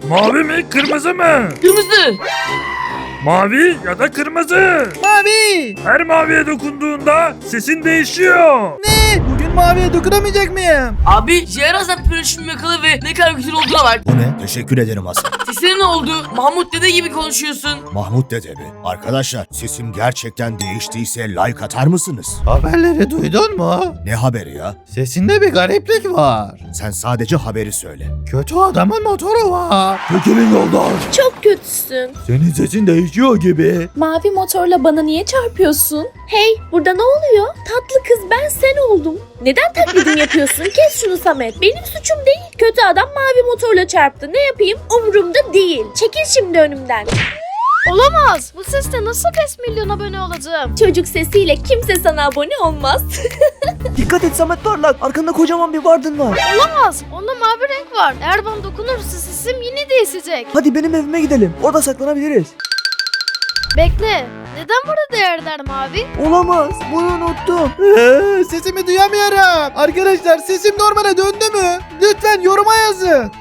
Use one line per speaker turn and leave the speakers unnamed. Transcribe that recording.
Mavi mi kırmızı mı?
Kırmızı.
Mavi ya da kırmızı.
Mavi.
Her maviye dokunduğunda sesin değişiyor.
Ne? Bugün maviye dokunamayacak mıyım?
Abi Jerazat pürüşünü yakala ve ne kadar güzel olduğuna bak.
Bu ne? Teşekkür ederim Hasan.
Sesine ne oldu? Mahmut dede gibi konuşuyorsun.
Mahmut dede mi? Arkadaşlar sesim gerçekten değiştiyse like atar mısınız?
Haberleri duydun mu?
Ne haberi ya?
Sesinde bir gariplik var.
Sen sadece haberi söyle.
Kötü adamın motoru var. Çekilin yoldan.
Çok kötüsün.
Senin sesin değişiyor gibi.
Mavi motorla bana niye çarpıyorsun? Hey, burada ne oluyor? Tatlı kız ben sen oldum. Neden taklidini yapıyorsun? Kes şunu Samet. Benim suçum değil. Kötü adam mavi motorla çarptı. Ne yapayım? Umurumda değil. Çekil şimdi önümden.
Olamaz. Bu sesle nasıl 5 milyon abone olacağım?
Çocuk sesiyle kimse sana abone olmaz.
Dikkat et Samet Parlak. Arkanda kocaman bir vardın var.
Olamaz. Onda mavi renk var. Eğer bana dokunursa sesim yine değişecek.
Hadi benim evime gidelim. Orada saklanabiliriz.
Bekle. Neden burada değerler mavi?
Olamaz. Bunu unuttum.
Sesimi duyamıyorum. Arkadaşlar sesim normale döndü mü? Lütfen yoruma yazın.